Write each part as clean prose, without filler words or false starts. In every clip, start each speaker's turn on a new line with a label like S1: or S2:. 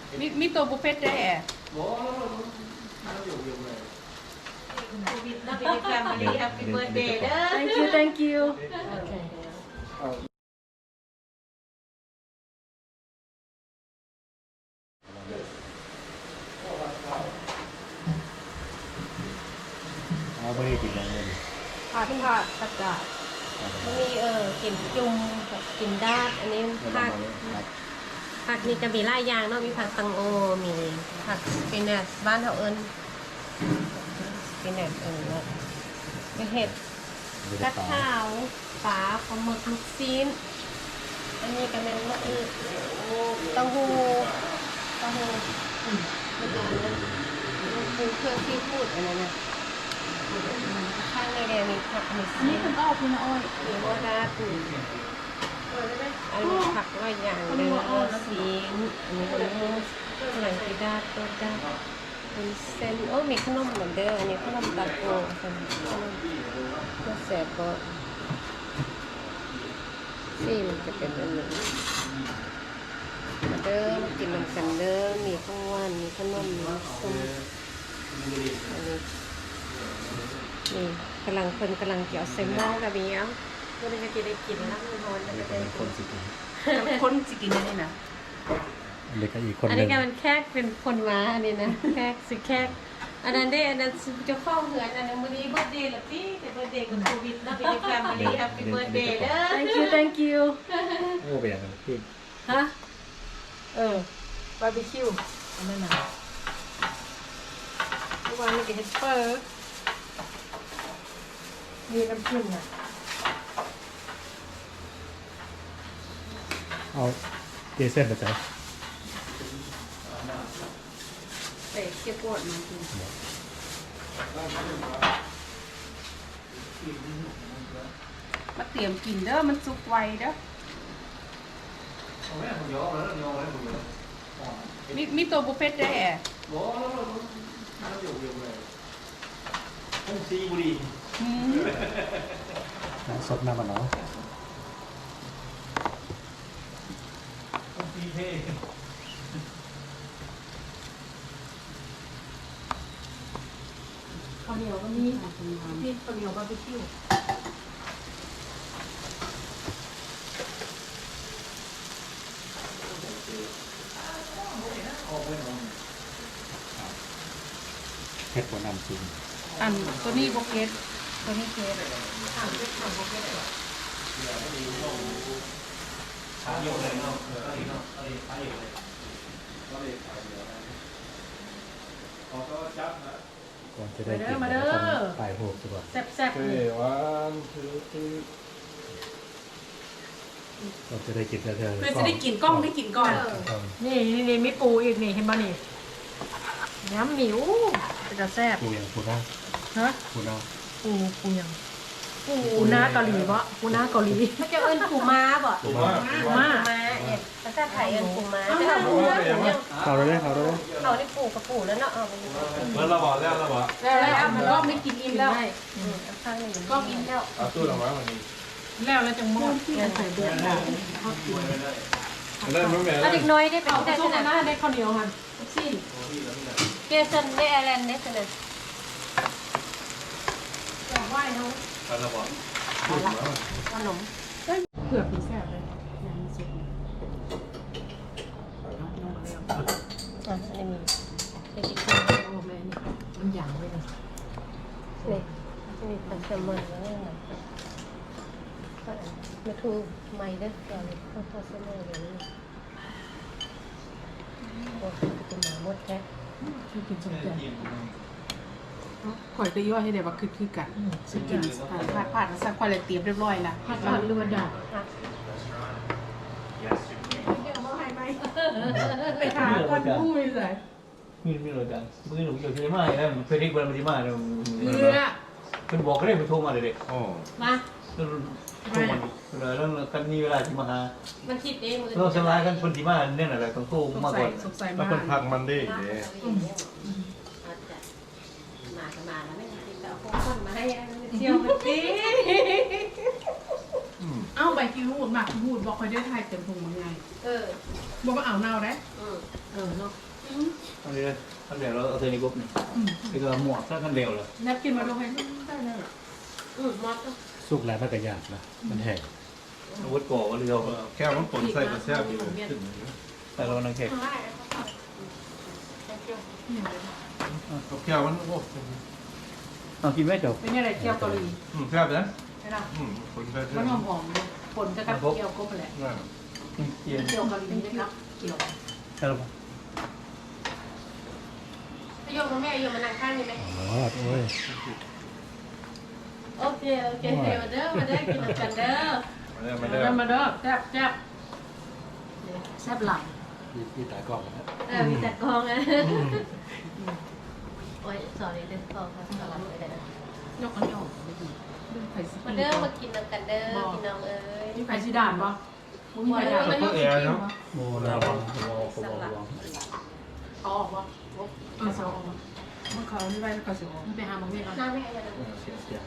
S1: มีตัวบุฟเฟ่ต์ได้แอะthank you thank you
S2: ไม่ได้กินอะไรเลย
S1: ผัดผักกาด
S3: มีกินจุ่มกับกินดาดอันนี้ผักนี่จะมีหลายอย่างเนาะมีผักตังโอมีผักสปินัชบ้านเขาเอิญสปินัชมีเห็ดกระเท้าปลาปลาหมึกลูกซีนอันนี้ก็เป็นมะอึเต้าหู้มันดูเครื่องที่พูดอันนั้นนะข้างในแดงมีผักมีซี
S1: นี่คุณอ้อคุณอ้อย
S3: มีโมดาตุนอันนี้ผักว่าอย่างเนื้อซีนอันนี้เป็นมูสหลังกีดาตัวดาเป็นเส้นโอ้มีขนมเหมือนเดิมอันนี้ขนมตาโกเป็นขนมก็แสบก็ซีนจะเป็นอันนี้เดิมกินน้ำกันเดิมมีข้าวหวานมีขนมมีส้มอันนี้นี่กำลังเกี่ยวเซมมองกับมีอ่ะก็เลยจะได้กินแล้วมันร้อนแล้วก็ได้
S2: คนสิกิน
S1: คนสิกินได้นะ
S2: เล็กอีกคน
S3: อัน
S2: ห
S3: นี้
S2: นึ่ง
S3: แกมันแคกเป็นคนมาอันนี้นะแคกสิแคกอันนั้นได้อันนั้นจะเข้าเหือนอันนั้นวันนี้เบิร์ดเดย์ละพี่แต่เบิร์ดเดย์กับโควิดแล้วเป็นแฟมิลี่แฮปปี้เบิร์ดเดย์เด้อ
S1: thank you thank you
S2: โอ้ไปอย่างนั้นพี่
S1: ฮะบาร์บีคิวอันนั้นน่ะเมื่อวานมีกับเฮสเปอร์มีน้ำผึ้งอ่ะ
S2: เอาเกเส้นไปใส่
S1: ใส่เกี๊ยวโกดมากินมาเตรียมกินเด้อมันสุกไวเด้อมีตัวบุฟเฟ่ต์ได้แอะ
S2: น้ำซดน้ำมันเนาะ
S1: ข้าวเหนียวก็มีพี่ข้าวเหนียวบาร์บีคิว
S2: เผ็ดกว่าน้ำจริง
S1: อันตัวนี้โบเกตตัวนี้เกต
S2: ก่อนจะได้กิน
S1: มาเด้อ
S2: ต้องปลายโหกดีกว่า
S1: แซ่บๆนี่
S2: ก่อนจะได้กินเธอ
S1: เพื่อจะได้กินกล้องได้กินก่อน
S4: นี่มีปูอีกนี่เห็นป่ะนี่น้ำหมิวจะแซ่บ
S2: ปูอย่างปูน่า
S4: ฮะ
S2: ปูน่า
S4: ปูยังปูหน้าเกาหลีวะปูหน้าเกาหลี
S3: มันจะเอิญปูม้าบ่
S2: ปูน่า
S4: ปูม้า
S3: เนี่ยภาษาไทยเอิญปูม้าแต่ถ้าปูม้าปูเนี่ย
S2: เขาได้เขาได้
S3: เขาได้ปูกับปูแล้วเนาะเอาไป
S5: แล้วเราบอกแล้วเราบอก
S1: แล้วมันก็ไม่กินอิ่มแล้ว
S3: ข้างหนึ่ง
S1: ก็อิ่มแล้ว
S5: เอาตู้เราไว้วันนี้
S4: แล้วจังมอด
S1: ใส่เดือดได้
S5: ได้ไม่แม่
S3: เอาเด็กน้อยได้เป็น
S4: เอา
S3: ได้
S4: ส้
S3: ข
S4: ม
S3: นาด
S4: หน้าได้ข้าวเหนียวหัน
S1: สิ้น
S3: เจสันได้แอร์แลนด์ได้ขนาด
S4: อยากไหว้เขา
S5: เราบอก
S3: ขนม
S4: เผือกมีแซ่บเลย
S3: อันนี้มีเค้ก
S4: โอ้แม่นี่มันหยางเลยนะ
S3: นี่มีผักแซลมอนแล้วเนี่ยมาทูไม่ได้ก่อนข้าวทอดเส้นเลยนี่โอ้เป็นหมาหมดแท้
S4: ช่วยกินสมใจข่อยก็ย่อยให้ได้ว่าคือกันสกิน
S1: ผ่านสักควายเลยเตรียมเรียบร้อยละ
S4: ผัดผัดหรือว่าดอก
S1: ไปหาคนพูดเลย
S5: มือไม่รู้จังมือหนูอยู่ที่ไหนแล้วเฟรดิกวันมาที่มาเนี่ย
S1: เรือ
S5: เป็นบอกก็ได้ไปโทรมาเลยเด็ก
S2: โอ้
S3: มา
S5: โทรมาแล้วกันมีเวลาที่มาหา
S3: มันคิดเองมือ
S5: เราชำระกันคนที่มาเนี่ยแหละต้องโทรมาก่อน
S1: สงสัย
S2: แล้ว
S1: มาก
S2: คนพักมันได้
S3: มาก็มาแล้วไม่ติดต่อคนมาให้เที่ยวเมื่อกี้
S1: เอ้าใบกิวูดหมักวูดบอกคอยได้ไทยเต็มพุงมันไง บอกว่าเอาเน่าได้เนาะ
S5: อันนี้ขั้นเร็วเราเอาเทนิกุ๊บนี่นี่ก็หมวกถ้าขั้นเร็วเลย
S1: นับกินมาลงให้ได้เลย
S2: สุกแล้วมันก็ยากนะมันแห้ง
S5: อาวุธก่อเร็ว
S6: แค่มันผลใส่กระแซบอยู่
S5: แต่เรานังเค้ก
S6: แค่มันโอ้
S5: เอากินไม่จบ
S1: เป็นยังไงเกี๊ยวเกาหลี
S6: แซ่บนะ
S1: ใช่ไหม
S6: ผลใส่
S1: มันหอมๆผลจะกับเกี๊ยวก็แหละ
S5: เกียน
S1: เกี๊ยวเกาหลีนะครับเกี๊ยว
S5: ใช่หรือเปล่า
S3: โยมกับแม่โยมมานั่งข้างนี่ไหม
S2: อ๋อโอ้ย
S3: โอเคมาเด้อกินกันเด้อ
S6: มาได้
S1: มาเด้อแซ่บแซ่บแซ่บหลัง
S2: ที่ตากล้องนะ
S3: มีแต่กองอ่ะโอ้ยสอนเลยเด้อขอค่ะสอนเลยเด้อย
S1: กอันนี้ออกไม่ดีไข่สี
S3: มาเด้อมากินกันเด้อพี่น้องเอ้ย
S1: นี่ไข่สีด่านปะมึงมีไข่ด่าน
S6: เพื่อแอร์เนาะ
S2: โมนาบอง
S1: เอาออกปะเอาออกมันเขาไม่ได้เขาเสียออกไปหาหมอเมฆก่อน
S3: น้ำไม่ให้กัน
S5: เสียเสีย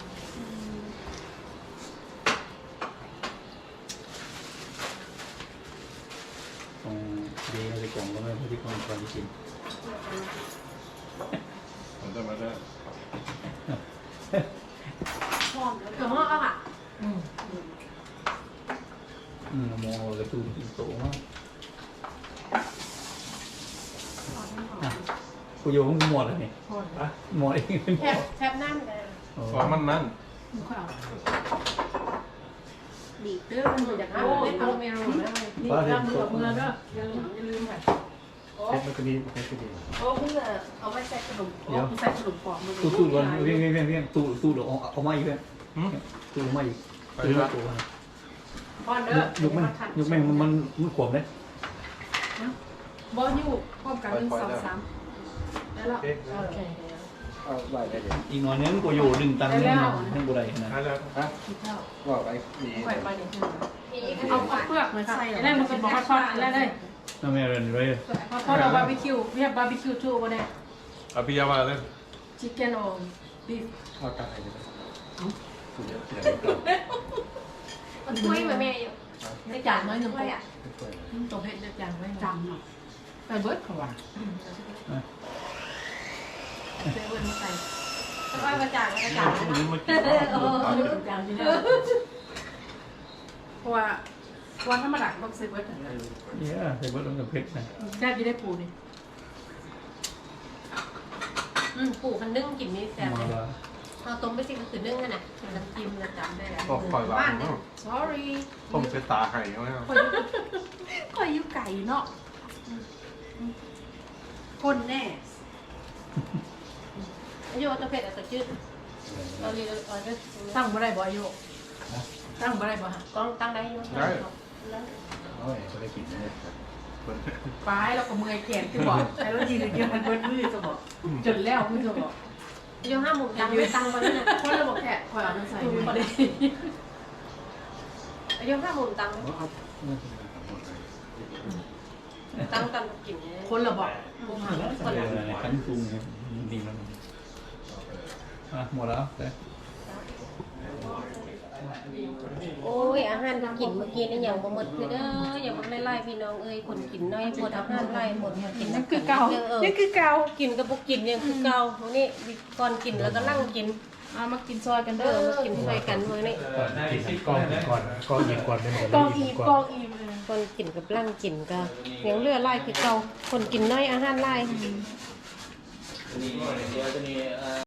S2: ตรงดีในกล่องก็ไม่พอดีกล่องก่อนที่กิน
S6: ผมจะมาได้
S3: เดี๋ยวห้องเอาค่ะ
S5: มองกระตุ้นโตมากกูโยงหมดเลยนี่หมดเองเป็นหมด
S3: แทบนั่นเลย
S6: ฟอมันนั่น
S1: มึงค่อยเอา
S3: ดีเด้อมันอยากเอาไม่เอาไม่เอาไม่เอา
S1: นี่ตามมือกับมือเด้ออย่าลืมค่ะ
S2: เซ็ตมันก็ดีเซ็ตก็ดี
S3: โอ้เพิ่งเอาไปใส่ขนม
S1: เดี๋ยวใส่ขนมปอกมือ
S5: ตู้ก่อนเวียงตู้เดี๋ยวเอามาอีกเพื่อนตู้มาอีกตู้ตู้
S1: ป้อนเด้อย
S5: กแม่งมันขวบเลย
S1: บอลอยู่พร้อมกัน1 2 3ได้แล้วโอเค
S2: เอาไว้ได้เดี๋ยว
S5: อีกหน่อยนึงกูอยู่ดึงตังค์นึงกูได้นะ
S6: ได้แล้ว
S2: ฮะ
S1: คิดเท่า
S2: ว่าไปดี
S1: ปล่อยไปเนี่ยเอาเปลือกมาใส่แล้วมันจะบอกว่าทอดแล้วเลย
S5: น้าแม่เรียนเลย
S1: ทอดเอาบาร์บีคิวwe have barbecue too over there
S6: อภิยาว่าเลย
S1: chicken or beef
S2: เอาตายเลยสุดยอดเลย
S3: มันช่วยแม่อยู่
S1: ได้จานน้อยหนึ่ง
S3: ช่วยอ่ะ
S1: ตรงเพชรได้จานไว้จำหน่อยไปเบิร์ดเขาว่าเซเว่นใส่
S3: ช่วยมาจากมาจาก
S6: นี่มากิน
S1: เอาไปจานที่นี่เพราะว่าถ้ามาดักต้องเซเว่น
S5: เนี่ยใส่เบิร์ดลงกับเพชรนะ
S1: แซ่บยี่ได้ปูนี่
S3: ปู่มันนึ่งกินนี่แซ่บ
S5: มา
S3: เลย
S5: ละ
S3: เอาต้มไปสิก็คือนึ่งกันน่ะน้ำจิ้มนะจำได้แล้ว
S6: บอกปล่อยบ้านเนาะ
S1: sorry
S6: ต้มเสตาไข่เขาเนี่ย
S1: คอยอยู่ไก่เนาะคนแน่
S3: โยตัวเผ็ดตัวจืดเราเรียนเราจะ
S1: ตั้งบ่ได้บ่อายุตั้งบ่ได้บ่ฮะ
S3: กล้องตั้งได้ยุ่ง
S2: โอ้ยก็ได้กินเลย
S1: ปลายแล้วก็เมื่อยแขนที่บอกแต่เรายืนเดียวมันเบิดมือจะบอกจนแล้วมือจะบอก
S3: โยห้าหมูตั้งไม่ตั้งวันนี้นะ
S1: คนเราบอกแค่คอยเอาน้ำใส่
S3: พอดีโยห้าหมูตั้งตั้งกันกิน
S1: คนเราบอก
S3: คนละ
S5: ขั้นปรุงดีมันหมดแล้วแต่
S3: โอ้ยอาหารกินเมื่อกี้นี่อย่างบ่หมดคือเด้ออย่างบ่ไล่ๆพี่น้องเอ้ยคนกินน้อยหมดอาหารไล่หมดกิน
S1: นี่คือเก่านี่คือเก่า
S3: กินกับบ่กินยังคือเก่านี่ก่อนกินแล้วก็นั่งกิน
S1: เอามากินซอยกัน
S3: เอ
S1: เด้อ
S3: อมากินด้วยกันมื้อนี้
S2: กล้องก่อนกล้องยิงก่อนเป็นหมด
S1: กองอีกองอีเลย
S3: คนกินกับร่างกินก็ยังเลือไล่คือเก่าคนกินน้อยอาหารไล่
S5: นี่เดี๋ยวจะมี